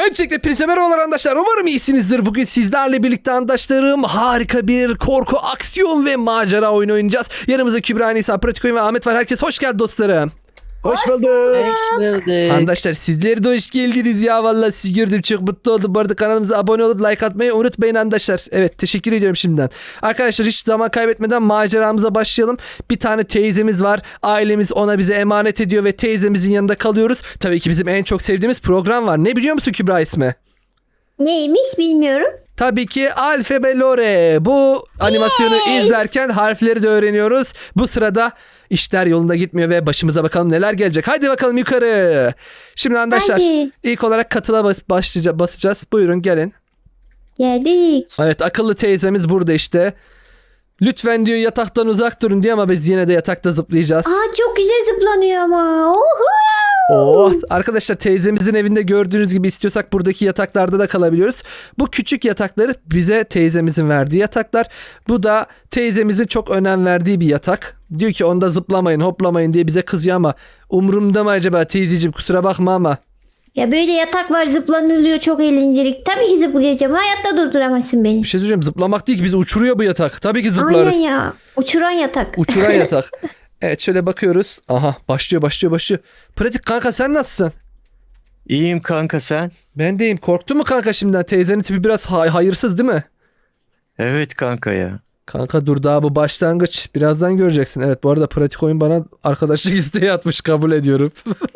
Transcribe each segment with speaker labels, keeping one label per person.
Speaker 1: Öncelikle hepinize merhabalar arkadaşlar. Umarım iyisinizdir. Bugün sizlerle birlikte arkadaşlarım harika bir korku, aksiyon ve macera oyunu oynayacağız. Yanımızda Kübra, Nisa, Pratik Oyun ve Ahmet var. Herkes hoş geldi dostlarım.
Speaker 2: Hoş bulduk.
Speaker 3: Hoş bulduk.
Speaker 1: Arkadaşlar sizleri de hoş geldiniz ya. Vallahi sizi gördüm, çok mutlu oldum. Bu arada kanalımıza abone olup like atmayı unutmayın arkadaşlar. Evet, teşekkür ediyorum şimdiden. Arkadaşlar hiç zaman kaybetmeden maceramıza başlayalım. Bir tane teyzemiz var. Ailemiz ona bize emanet ediyor ve teyzemizin yanında kalıyoruz. Tabii ki bizim en çok sevdiğimiz program var. Ne biliyor musun Kübra ismi?
Speaker 2: Neymiş bilmiyorum.
Speaker 1: Tabii ki Alfabe Lore. Bu animasyonu izlerken harfleri de öğreniyoruz. Bu sırada işler yolunda gitmiyor ve başımıza bakalım neler gelecek. Hadi bakalım yukarı. Şimdi arkadaşlar
Speaker 2: Hadi.
Speaker 1: ilk olarak katıla basacağız. Buyurun gelin.
Speaker 2: Geldik.
Speaker 1: Evet, akıllı teyzemiz burada işte. Lütfen diyor yataktan uzak durun diyor ama biz yine de yatakta zıplayacağız.
Speaker 2: Aa, çok güzel zıplanıyor ama. Oho.
Speaker 1: Oh, arkadaşlar teyzemizin evinde gördüğünüz gibi istiyorsak buradaki yataklarda da kalabiliyoruz. Bu küçük yatakları bize teyzemizin verdiği yataklar. Bu da teyzemizin çok önem verdiği bir yatak. Diyor ki onda zıplamayın, hoplamayın diye bize kızıyor ama umurumda mı acaba teyzeciğim, kusura bakma ama.
Speaker 2: Ya böyle yatak var, zıplanılıyor, çok eğlenceli. Tabii ki zıplayacağım. Hayatta durduramazsın beni.
Speaker 1: Bir şey söyleyeceğim, zıplamak değil ki, bizi uçuruyor bu yatak. Tabii ki zıplarız.
Speaker 2: Aynen ya. Uçuran yatak.
Speaker 1: Uçuran yatak. Evet, şöyle bakıyoruz. Aha, başlıyor. Pratik kanka, sen nasılsın?
Speaker 3: İyiyim kanka sen?
Speaker 1: Ben deyim. Korktun mu kanka şimdiden? Teyzenin tipi biraz hayırsız değil mi?
Speaker 3: Evet kanka ya.
Speaker 1: Kanka dur, daha bu başlangıç. Birazdan göreceksin. Evet, bu arada Pratik Oyun bana arkadaşlık isteği atmış. Kabul ediyorum.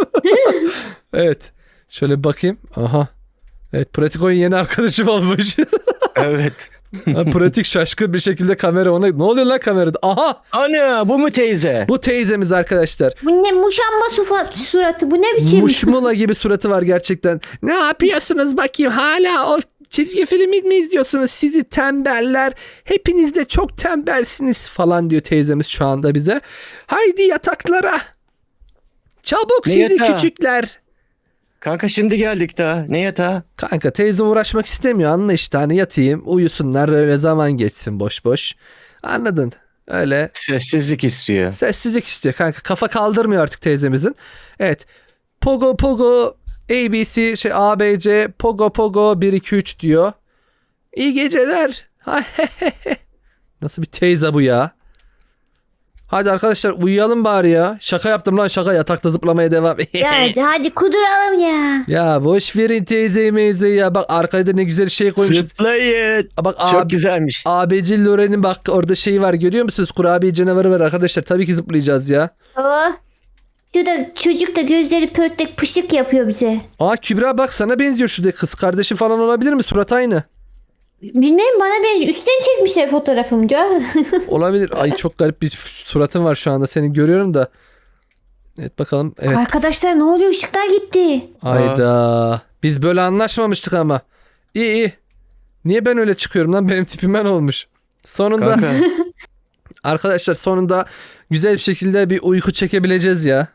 Speaker 1: Evet. Şöyle bakayım. Aha. Evet, Pratik Oyun yeni arkadaşım olmuş.
Speaker 3: Evet.
Speaker 1: Pratik şaşkın bir şekilde kamera ona. Ne oluyor lan kamerada? Aha.
Speaker 3: Ana bu mu teyze?
Speaker 1: Bu teyzemiz arkadaşlar.
Speaker 2: Bu ne muşamba suratı? Bu ne biçim?
Speaker 1: Muşmula gibi suratı var gerçekten. Ne yapıyorsunuz bakayım? Hala o çizgi filmi mi izliyorsunuz? Sizi tembeller. Hepiniz de çok tembelsiniz falan diyor teyzemiz şu anda bize. Haydi yataklara. Çabuk
Speaker 3: Ne
Speaker 1: sizi
Speaker 3: yatağı?
Speaker 1: küçükler.
Speaker 3: Kanka şimdi geldik daha. Ne yatağı?
Speaker 1: Kanka teyze uğraşmak istemiyor. Anla işte, hani yatayım uyusunlar, öyle zaman geçsin boş boş. Anladın? Öyle
Speaker 3: Sessizlik istiyor.
Speaker 1: sessizlik istiyor kanka. Kafa kaldırmıyor artık teyzemizin. Evet. Pogo Pogo ABC ABC Pogo Pogo 1 2 3 diyor. İyi geceler. Nasıl bir teyze bu ya? Hadi arkadaşlar uyuyalım bari ya. Şaka yaptım lan, şaka, yatakta zıplamaya devam.
Speaker 2: Ya hadi kuduralım ya.
Speaker 1: Ya boş verin teyzeyi meyzeyi ya. Bak arkada ne güzel şey koymuş.
Speaker 3: Zıplayın.
Speaker 1: Bak
Speaker 3: Çok güzelmiş.
Speaker 1: ABC Loren'in bak orada şeyi var, görüyor musunuz? Kurabiye canavarı var arkadaşlar. Tabii ki zıplayacağız ya.
Speaker 2: Oh. Şurada çocuk da gözleri pörtlek pışık yapıyor bize.
Speaker 1: Aa Kübra bak, sana benziyor şurada, kız kardeşi falan olabilir mi? Surat aynı.
Speaker 2: Bilmem, bana ben üstten çekmişler fotoğrafımı diyor.
Speaker 1: Olabilir. Ay çok garip bir suratın var şu anda, seni görüyorum da. Evet bakalım. Evet.
Speaker 2: Arkadaşlar ne oluyor? Işıklar gitti.
Speaker 1: Ayda. Biz böyle anlaşmamıştık ama. İyi. Niye ben öyle çıkıyorum lan? Benim tipim ben olmuş. Sonunda
Speaker 3: Kanka.
Speaker 1: arkadaşlar, sonunda güzel bir şekilde bir uyku çekebileceğiz ya.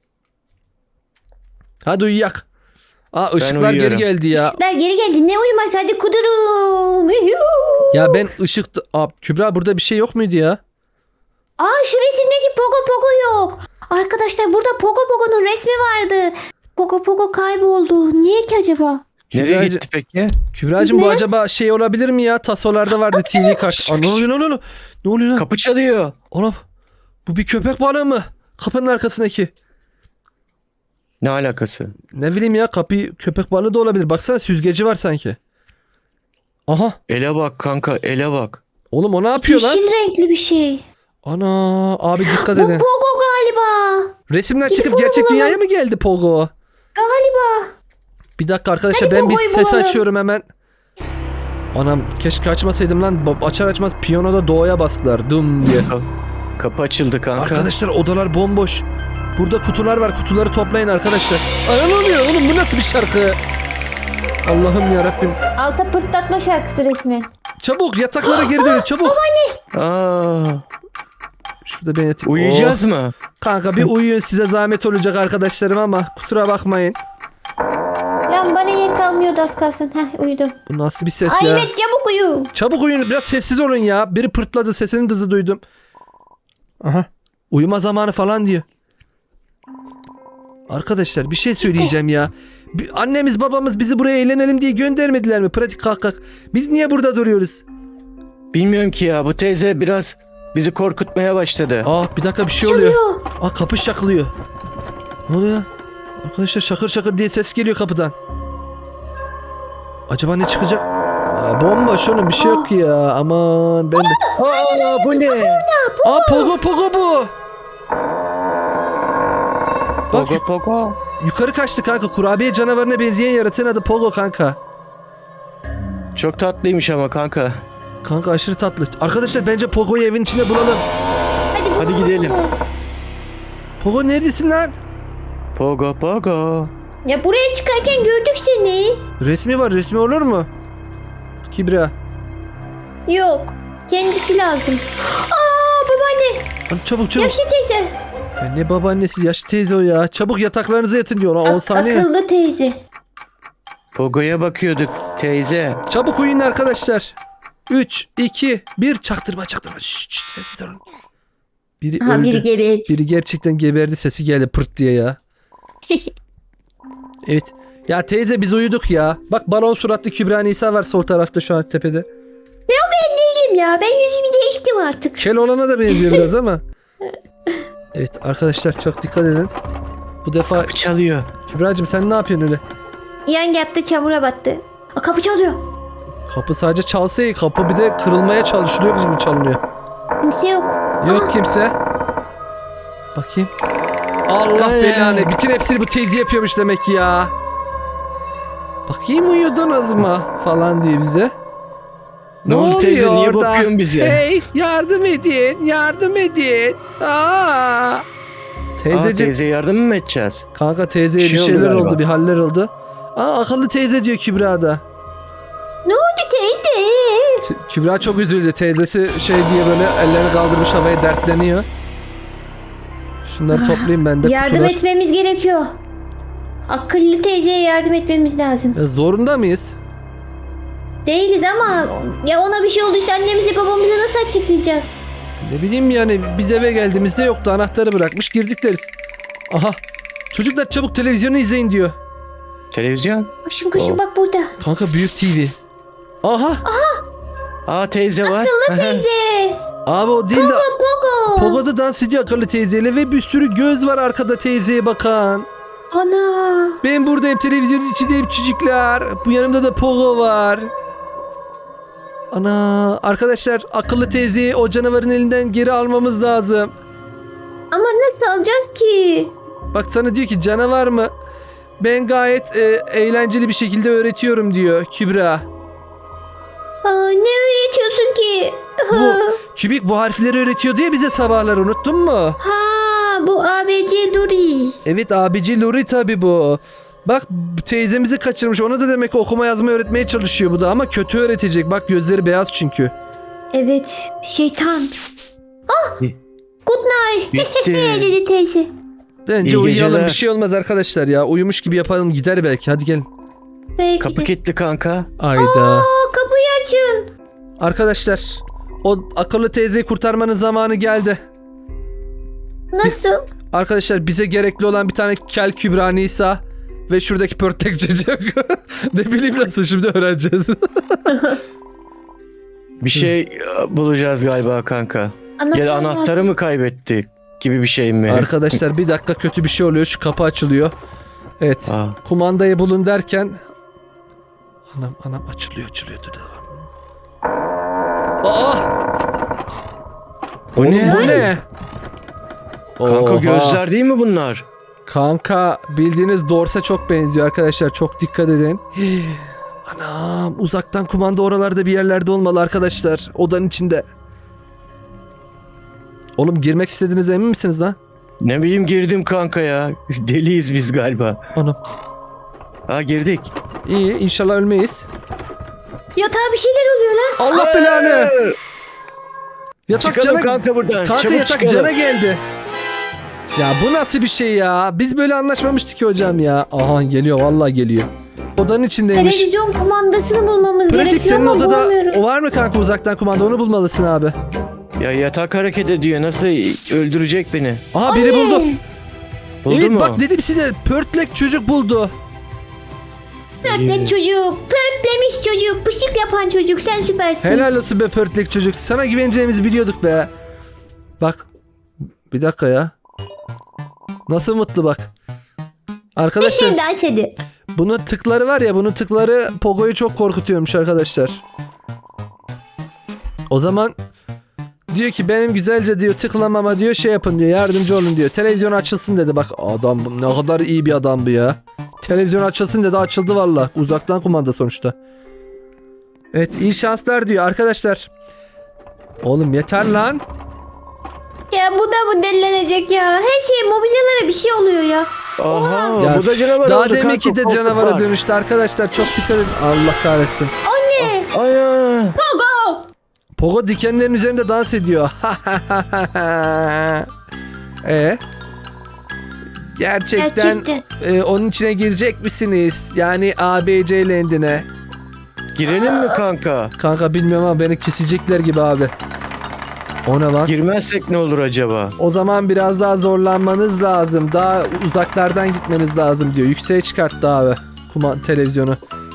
Speaker 1: Hadi uyuyak. Aa ışıklar geri
Speaker 3: uyuyorum.
Speaker 1: geldi ya.
Speaker 2: Işıklar geri geldi. Ne uyumaz, hadi kudurun.
Speaker 1: Ya ben Kübra burada bir şey yok muydu ya?
Speaker 2: Aa, şu resimdeki Pogo Pogo yok. Arkadaşlar burada Pogo Pogo'nun resmi vardı. Pogo Pogo kayboldu. Niye ki acaba?
Speaker 3: Nereye gitti peki?
Speaker 1: Kübra'cığım bu
Speaker 2: Ne?
Speaker 1: acaba şey olabilir mi ya? Tasolarda vardı TV karşı. Aa, ne oluyor lan? Ne oluyor lan?
Speaker 3: Kapı çalıyor.
Speaker 1: Oğlum bu bir köpek balığı mı? Kapının arkasındaki.
Speaker 3: Ne alakası?
Speaker 1: Ne bileyim ya, kapı köpek balığı da olabilir. Baksana süzgeci var sanki. Aha.
Speaker 3: Ele bak kanka, ele bak.
Speaker 1: Oğlum o ne yapıyor lan?
Speaker 2: Yeşil renkli bir şey.
Speaker 1: Ana abi dikkat
Speaker 2: Bu
Speaker 1: edin.
Speaker 2: Pogo galiba.
Speaker 1: Resimden çıkıp
Speaker 2: Telefonu
Speaker 1: gerçek
Speaker 2: bulalım.
Speaker 1: dünyaya mı geldi Pogo?
Speaker 2: Galiba.
Speaker 1: Bir dakika arkadaşlar,
Speaker 2: Hadi
Speaker 1: ben bir
Speaker 2: Pogo'yu
Speaker 1: ses
Speaker 2: bulalım.
Speaker 1: açıyorum hemen. Anam keşke açmasaydım lan. Açar açmaz piyanoda doğaya bastılar. Dum diye.
Speaker 3: Kapı açıldı kanka.
Speaker 1: Arkadaşlar odalar bomboş. Burada kutular var. Kutuları toplayın arkadaşlar. Ay ne oluyor oğlum, bu nasıl bir şarkı? Allah'ım yarabbim.
Speaker 2: Alta pırtlatma şarkısı resmen.
Speaker 1: Çabuk yataklara geri dönün çabuk.
Speaker 3: Aa,
Speaker 1: Şurada ben yatayım.
Speaker 3: uyuyacağız
Speaker 1: Oh.
Speaker 3: mı?
Speaker 1: Kanka bir uyuyun, size zahmet olacak arkadaşlarım ama kusura bakmayın.
Speaker 2: Lan bana yer kalmıyordu az kalsın. Heh, uyudum.
Speaker 1: Bu nasıl bir ses
Speaker 2: Ay
Speaker 1: ya?
Speaker 2: evet, çabuk uyu.
Speaker 1: Çabuk uyuyun, biraz sessiz olun ya. Biri pırtladı, sesinin hızı duydum. Aha. Uyuma zamanı falan diyor. Arkadaşlar bir şey söyleyeceğim ya. Annemiz babamız bizi buraya eğlenelim diye göndermediler mi? Pratik kalk kalk. Biz niye burada duruyoruz?
Speaker 3: Bilmiyorum ki ya, bu teyze biraz bizi korkutmaya başladı.
Speaker 1: Bir dakika bir şey oluyor.
Speaker 2: Çalıyor.
Speaker 1: Kapı şaklıyor. Ne oluyor? Arkadaşlar şakır şakır diye ses geliyor kapıdan. Acaba ne çıkacak? Bomboş oğlum, bir şey yok ya. Aman ben de.
Speaker 3: Bu ne?
Speaker 1: Pogo bu. Bak
Speaker 3: Pogo Pogo.
Speaker 1: yukarı kaçtı kanka. Kurabiye canavarına benzeyen yaratığın adı Pogo kanka.
Speaker 3: Çok tatlıymış ama kanka.
Speaker 1: Kanka aşırı tatlı. Arkadaşlar bence Pogo'yu evin içinde bulalım.
Speaker 3: Hadi gidelim.
Speaker 1: Pogo neredesin lan?
Speaker 3: Pogo Pogo.
Speaker 2: Ya buraya çıkarken gördük seni.
Speaker 1: Resmi var, resmi olur mu? Kübra.
Speaker 2: Yok. Kendisi lazım. Babaanne.
Speaker 1: Lan çabuk.
Speaker 2: Yaşlı teyze.
Speaker 1: Ya ne babaannesi, yaşlı teyze o ya. Çabuk yataklarınıza yatın diyor. 10 saniye.
Speaker 2: Akıllı teyze.
Speaker 3: Pogo'ya bakıyorduk teyze.
Speaker 1: Çabuk uyuyun arkadaşlar. 3, 2, 1 çaktırma. Şşş, sessiz olun. Biri öldü.
Speaker 2: Biri geberdi.
Speaker 1: Biri gerçekten geberdi, sesi geldi pırt diye ya. Evet. Ya teyze biz uyuduk ya. Bak balon suratlı Kübra Nisa var sol tarafta şu an tepede.
Speaker 2: Ben değilim ya. Ben yüzümü değiştim artık.
Speaker 1: Kel olana da benziyor biraz ama. Evet arkadaşlar çok dikkat edin. Bu defa
Speaker 3: Kapı çalıyor.
Speaker 1: Kübra'cığım sen ne yapıyorsun öyle?
Speaker 2: Yan yaptı, çamura battı. Kapı çalıyor.
Speaker 1: Kapı sadece çalsa iyi. Kapı bir de kırılmaya çalışılıyor gibi çalınıyor.
Speaker 2: Kimse yok.
Speaker 1: Yok kimse. Bakayım. Allah belanı. Bütün hepsini bu teyze yapıyormuş demek ki ya. Bakayım uyudunuz mu falan diye bize.
Speaker 3: Ne oldu teyze,
Speaker 1: oluyor
Speaker 3: niye
Speaker 1: orada?
Speaker 3: bakıyorsun bize?
Speaker 1: Hey yardım edin. Yardım edin. Teyzeciğim.
Speaker 3: Teyzeye yardım mı edeceğiz?
Speaker 1: Kanka teyzeye
Speaker 3: Bir
Speaker 1: bir
Speaker 3: şey oldu
Speaker 1: şeyler
Speaker 3: galiba.
Speaker 1: oldu. Bir haller oldu. Akıllı teyze diyor Kübra da.
Speaker 2: Ne oldu teyze?
Speaker 1: Kübra çok üzüldü. Teyzesi şey diye böyle ellerini kaldırmış havaya dertleniyor. Şunları toplayayım ben de
Speaker 2: Yardım
Speaker 1: kutular.
Speaker 2: etmemiz gerekiyor. Akıllı teyzeye yardım etmemiz lazım.
Speaker 1: Zorunda mıyız?
Speaker 2: Değiliz ama ya ona bir şey olduysa annemize babamıza nasıl açıklayacağız?
Speaker 1: Ne bileyim yani biz eve geldiğimizde yoktu. Anahtarı bırakmış girdik deriz. Aha. Çocuklar çabuk televizyonu izleyin diyor.
Speaker 3: Televizyon?
Speaker 2: Koşun bak burada.
Speaker 1: Kanka büyük TV. Aha.
Speaker 3: Teyze var.
Speaker 2: Teyze.
Speaker 1: Abi o değil de
Speaker 2: Pogo.
Speaker 1: Pogo'da dans ediyor akıllı teyzeyle ve bir sürü göz var arkada teyzeye bakan.
Speaker 2: Ana.
Speaker 1: Ben buradayım televizyonun içindeyim çocuklar. Bu yanımda da Pogo var. Ana arkadaşlar akıllı teyzeyi o canavarın elinden geri almamız lazım.
Speaker 2: Ama nasıl alacağız ki?
Speaker 1: Bak sana diyor ki canavar mı? Ben gayet eğlenceli bir şekilde öğretiyorum diyor Kübra.
Speaker 2: Ne öğretiyorsun ki?
Speaker 1: Bu Kübik bu harfleri öğretiyor diye bize sabahlar unuttun mu?
Speaker 2: Bu ABC Duri.
Speaker 1: Evet abici Lori tabi bu. Bak teyzemizi kaçırmış, ona da demek ki okuma yazma öğretmeye çalışıyor bu da ama kötü öğretecek. Bak gözleri beyaz çünkü.
Speaker 2: Evet, şeytan. Good night.
Speaker 3: Bitti.
Speaker 2: dedi teyze.
Speaker 1: Bence
Speaker 3: İyi
Speaker 1: uyuyalım,
Speaker 3: geceler.
Speaker 1: bir şey olmaz arkadaşlar ya. Uyumuş gibi yapalım gider belki, hadi gelin.
Speaker 2: Belki
Speaker 3: Kapı
Speaker 2: de.
Speaker 3: kilitli kanka.
Speaker 1: Ayda.
Speaker 2: Kapıyı açın.
Speaker 1: Arkadaşlar o akıllı teyzeyi kurtarmanın zamanı geldi.
Speaker 2: Nasıl?
Speaker 1: Arkadaşlar bize gerekli olan bir tane kel Kübra Nisa ve şuradaki pörtek çocuk. Ne bileyim nasıl şimdi öğreneceğiz.
Speaker 3: Bir şey bulacağız galiba kanka. Ya da anahtarı mı kaybettik gibi bir şey mi?
Speaker 1: Arkadaşlar bir dakika, kötü bir şey oluyor, şu kapı açılıyor. Evet. Kumandayı bulun derken anam açılıyor dur.
Speaker 3: Bu
Speaker 1: Oğlum,
Speaker 3: ne?
Speaker 1: bu ne?
Speaker 3: Kanka
Speaker 1: Oha.
Speaker 3: gözler değil mi bunlar?
Speaker 1: Kanka bildiğiniz Dors'a çok benziyor arkadaşlar, çok dikkat edin. Anam uzaktan kumanda oralarda bir yerlerde olmalı arkadaşlar, odanın içinde. Oğlum girmek istediğinize emin misiniz lan?
Speaker 3: Ne bileyim, girdim kanka ya. Deliyiz biz galiba.
Speaker 1: Anam.
Speaker 3: Girdik.
Speaker 1: İyi, inşallah ölmeyiz.
Speaker 2: Yatağa bir şeyler oluyor lan.
Speaker 1: Allah belanı. Yatak
Speaker 3: Çıkalım
Speaker 1: cana...
Speaker 3: kanka buradan.
Speaker 1: Kanka
Speaker 3: Çabuk
Speaker 1: yatak
Speaker 3: çıkalım.
Speaker 1: cana geldi. Ya bu nasıl bir şey ya? Biz böyle anlaşmamıştık ki hocam ya. Aha geliyor, vallahi geliyor. Odanın içindeymiş.
Speaker 2: Televizyon kumandasını bulmamız
Speaker 1: Pratik,
Speaker 2: gerekiyor
Speaker 1: senin
Speaker 2: ama
Speaker 1: odada
Speaker 2: bulamıyoruz.
Speaker 1: o var mı kanka, uzaktan kumanda, onu bulmalısın abi.
Speaker 3: Ya yatak hareket ediyor. Nasıl öldürecek beni?
Speaker 1: Aha biri buldu.
Speaker 3: Buldu
Speaker 1: Evet
Speaker 3: mu?
Speaker 1: bak dedim size, pörtlek çocuk buldu.
Speaker 2: Pörtlek çocuk. Pörtlemiş çocuk. Pışık yapan çocuk. Sen süpersin.
Speaker 1: Helal olsun be pörtlek çocuk. Sana güveneceğimizi biliyorduk be. Bak. Bir dakika ya. Nasıl mutlu bak. Arkadaşlar
Speaker 2: Sen dans edin.
Speaker 1: bunun tıkları var ya, bunun tıkları Pogo'yu çok korkutuyormuş arkadaşlar. O zaman diyor ki benim güzelce diyor tıklamama diyor şey yapın diyor, yardımcı olun diyor. Televizyon açılsın dedi. Bak adam ne kadar iyi bir adam bu ya. Televizyon açılsın dedi, açıldı valla. Uzaktan kumanda sonuçta. Evet, iyi şanslar diyor arkadaşlar. Oğlum yeter lan.
Speaker 2: Ya bu da mı delilenecek ya? Her şey mobilyalara bir şey oluyor ya.
Speaker 3: Aha
Speaker 1: Ya
Speaker 3: bu da canavar
Speaker 1: daha
Speaker 3: oldu
Speaker 1: deminki de
Speaker 3: kanka,
Speaker 1: canavara
Speaker 3: korkma.
Speaker 1: dönüştü arkadaşlar. Çok dikkat edin. Allah kahretsin.
Speaker 2: Anne.
Speaker 3: Ay.
Speaker 2: Pogo.
Speaker 1: Pogo dikenlerin üzerinde dans ediyor. Gerçekten onun içine girecek misiniz? Yani ABC Land'ine.
Speaker 3: Girelim mi kanka?
Speaker 1: Kanka bilmiyorum ama beni kesecekler gibi abi. O ne lan?
Speaker 3: Girmezsek ne olur acaba?
Speaker 1: O zaman biraz daha zorlanmanız lazım. Daha uzaklardan gitmeniz lazım diyor. Yükseğe çıkarttı abi. Televizyonu.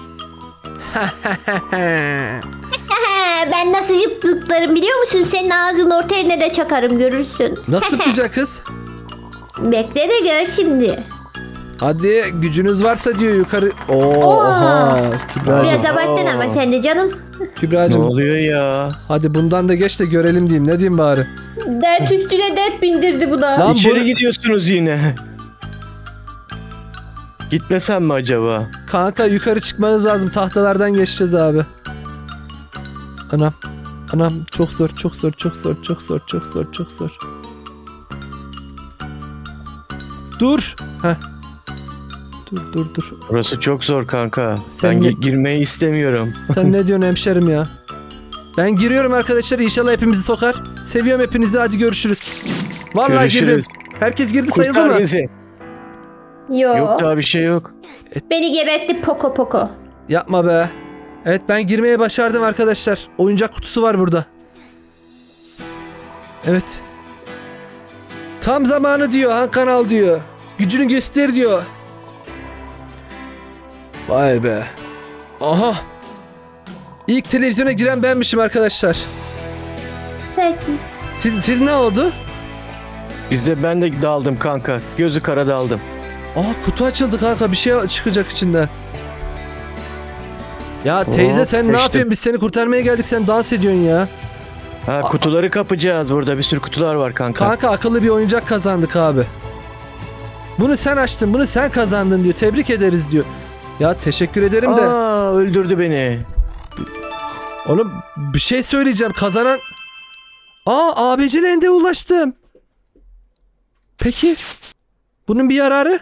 Speaker 2: Ben nasıl zıplarım biliyor musun? Senin ağzının orta yerine de çakarım, görürsün.
Speaker 1: Nasıl yapacak kız?
Speaker 2: Bekle de gör şimdi.
Speaker 1: Hadi gücünüz varsa diyor yukarı. Oha. Kübra'cığım.
Speaker 2: Biraz abarttın ama sen de canım.
Speaker 3: Ne
Speaker 1: Kübra'cığım.
Speaker 3: oluyor ya?
Speaker 1: Hadi bundan da geç de görelim diyeyim. Ne diyeyim bari?
Speaker 2: Dert üstüne dert bindirdi bu da.
Speaker 1: Lan
Speaker 3: İçeri
Speaker 1: bu-
Speaker 3: gidiyorsunuz yine. Gitmesem mi acaba?
Speaker 1: Kanka yukarı çıkmanız lazım. Tahtalardan geçeceğiz abi. Anam. Anam çok zor, çok zor, çok zor, çok zor, çok zor, çok zor. Dur. Heh. Dur.
Speaker 3: Burası çok zor kanka.
Speaker 1: Sen
Speaker 3: Ben
Speaker 1: ne-
Speaker 3: girmeyi istemiyorum.
Speaker 1: Sen ne diyorsun hemşerim ya? Ben giriyorum arkadaşlar. İnşallah hepimizi sokar. Seviyorum hepinizi. Hadi görüşürüz. Vallahi
Speaker 3: Görüşürüz.
Speaker 1: girdim. Herkes girdi, sayıldı
Speaker 3: Kurtar
Speaker 1: mı?
Speaker 3: bizi.
Speaker 2: Yok.
Speaker 3: Yok daha bir şey yok.
Speaker 2: Beni gebertti Poko Poko.
Speaker 1: Yapma be. Evet, ben girmeye başardım arkadaşlar. Oyuncak kutusu var burada. Evet. Tam zamanı diyor Han Kanal diyor. Gücünü göster diyor. Vay be. Aha. İlk televizyona giren benmişim arkadaşlar.
Speaker 2: Versin.
Speaker 1: Siz ne oldu?
Speaker 3: Ben de daldım kanka. Gözü kara daldım.
Speaker 1: Aa, kutu açıldı kanka. Bir şey çıkacak içinden. Ya teyze sen ne
Speaker 3: kaçtım.
Speaker 1: yapıyorsun? Biz seni kurtarmaya geldik. Sen dans ediyorsun ya.
Speaker 3: Ha kutuları kapacağız burada. Bir sürü kutular var kanka.
Speaker 1: Kanka akıllı bir oyuncak kazandık abi. Bunu sen açtın, bunu sen kazandın diyor. Tebrik ederiz diyor. Ya teşekkür ederim de.
Speaker 3: Aa öldürdü beni.
Speaker 1: Oğlum bir şey söyleyeceğim. Kazanan... ABC Land'e ulaştım. Peki. Bunun bir yararı?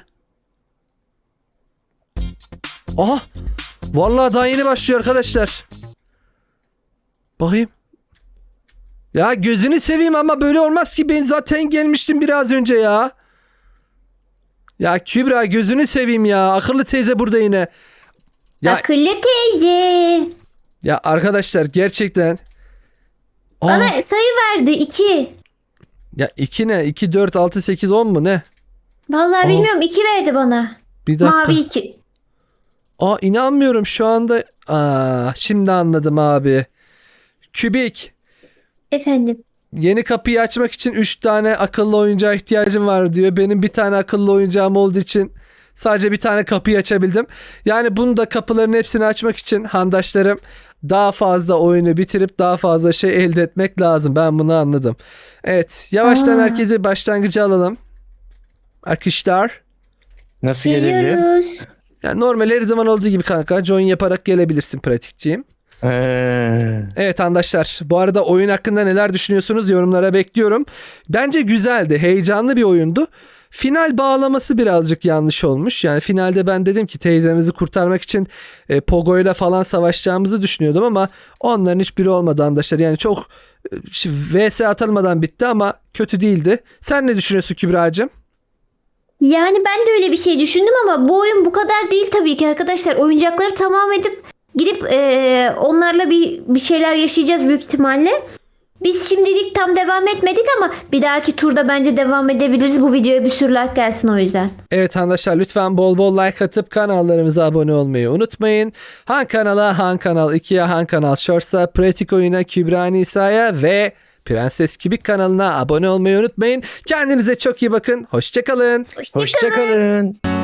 Speaker 1: Aha. Vallahi daha yeni başlıyor arkadaşlar. Bakayım. Ya gözünü seveyim ama böyle olmaz ki. Ben zaten gelmiştim biraz önce ya. Ya Kübra gözünü seveyim ya. Akıllı teyze burada yine. Ya,
Speaker 2: Akıllı teyze.
Speaker 1: ya arkadaşlar gerçekten.
Speaker 2: Bana sayı verdi 2.
Speaker 1: Ya 2 ne? 2, 4, 6, 8, 10 mu ne?
Speaker 2: Vallahi bilmiyorum, 2 verdi bana.
Speaker 1: Bir dakika.
Speaker 2: Mavi 2.
Speaker 1: İnanmıyorum şu anda. Şimdi anladım abi. Kübik.
Speaker 2: Efendim.
Speaker 1: Yeni kapıyı açmak için 3 tane akıllı oyuncağa ihtiyacım var diyor. Benim bir tane akıllı oyuncağım olduğu için sadece bir tane kapıyı açabildim. Yani bunu da kapıların hepsini açmak için handaşlarım daha fazla oyunu bitirip daha fazla şey elde etmek lazım. Ben bunu anladım. Evet, yavaştan herkese başlangıcı alalım. Arkadaşlar.
Speaker 3: Nasıl gelebilir?
Speaker 2: Geliyoruz.
Speaker 1: Yani normal her zaman olduğu gibi kanka join yaparak gelebilirsin pratikçiyim. Evet arkadaşlar, bu arada oyun hakkında neler düşünüyorsunuz yorumlara bekliyorum. Bence güzeldi, heyecanlı bir oyundu. Final bağlaması birazcık yanlış olmuş. Yani finalde ben dedim ki teyzemizi kurtarmak için Pogo'yla falan savaşacağımızı düşünüyordum ama onların hiçbiri olmadı arkadaşlar. Yani çok vs atılmadan bitti ama kötü değildi. Sen ne düşünüyorsun Kübra'cığım?
Speaker 2: Yani ben de öyle bir şey düşündüm ama bu oyun bu kadar değil tabii ki arkadaşlar. Oyuncakları tamam edip gidip onlarla bir şeyler yaşayacağız büyük ihtimalle. Biz şimdilik tam devam etmedik ama bir dahaki turda bence devam edebiliriz. Bu videoya bir sürü like gelsin o yüzden.
Speaker 1: Evet arkadaşlar lütfen bol bol like atıp kanallarımıza abone olmayı unutmayın. Han kanala, Han Kanal 2'ye, Han Kanal Shorts'a, Pratik Oyun'a, Kübra Nisa'ya ve Prenses Kübik kanalına abone olmayı unutmayın. Kendinize çok iyi bakın. Hoşçakalın.
Speaker 3: Hoşça kalın.